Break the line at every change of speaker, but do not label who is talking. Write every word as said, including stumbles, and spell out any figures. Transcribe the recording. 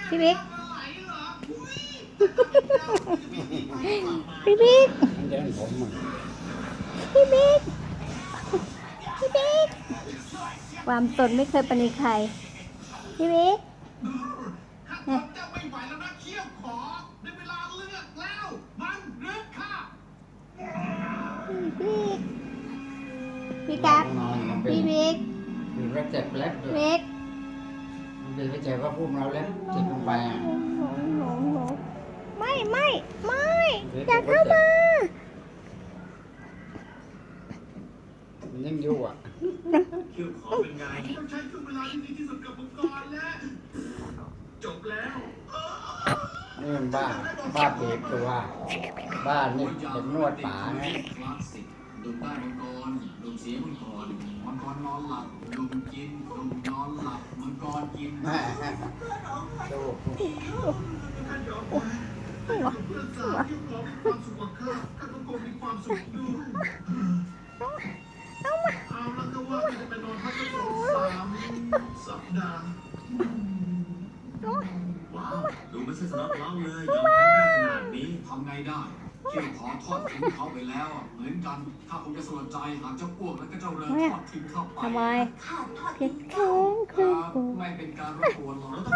พี่บิ๊กพี่บิ๊ก
มันเดินผมอ่ะ
พี่บิ๊กพี่บิ๊กความสนไม่เคยปณีใครพี่บิ๊กเนี่ยพี่บิ๊กพี่กั๊กพี่บิ๊ก
มีเล็บเจ็บเล็บด้วย
บิ๊ก
มันเป็นไปเจ็บว่าพุ่มเราเล็บจิกลงไปอ่ะ
ไม่ไม่ไม่อย่าเข้ามา
มันยังอยู่อ่ะ
คิวขอเป็นไงต้องใช้ช่วงเวลาที่ดีที่สุดกับมังกรแล้วจบแล้ว
นี่มันบ้าบ้าเบียดตัวบ้านี่เด็กนวดป๋าไง
คลาสสิกดุมได้มังกรดุมเสียมังกรมังกรนอนหลับดุมกินดุมนอนหลับมังกรกิน
แม่ดู
หัว
เพื่อนสาวที่ขอมีความสุขกว่าข้าข้าก็คงมีความสุขด้วยเอาละก็ว่าจะไปนอนพักสักสองสามสัปดาห์ว้าวดูไม่ใช่สำหรับเราเลยยอมแพ้ได้ขนาดนี้ทำไงได้เกี่ยวขอทอดทิ้งเขาไปแล้วเหมือนกันถ้าผมจะสลดใจหากเจ้าอ้วกและก็เจ้าเริงทอดทิ้งเข้าไป
ทำไมเพียงแค่คือกู
ไม่เป็นการรบกวนหรอก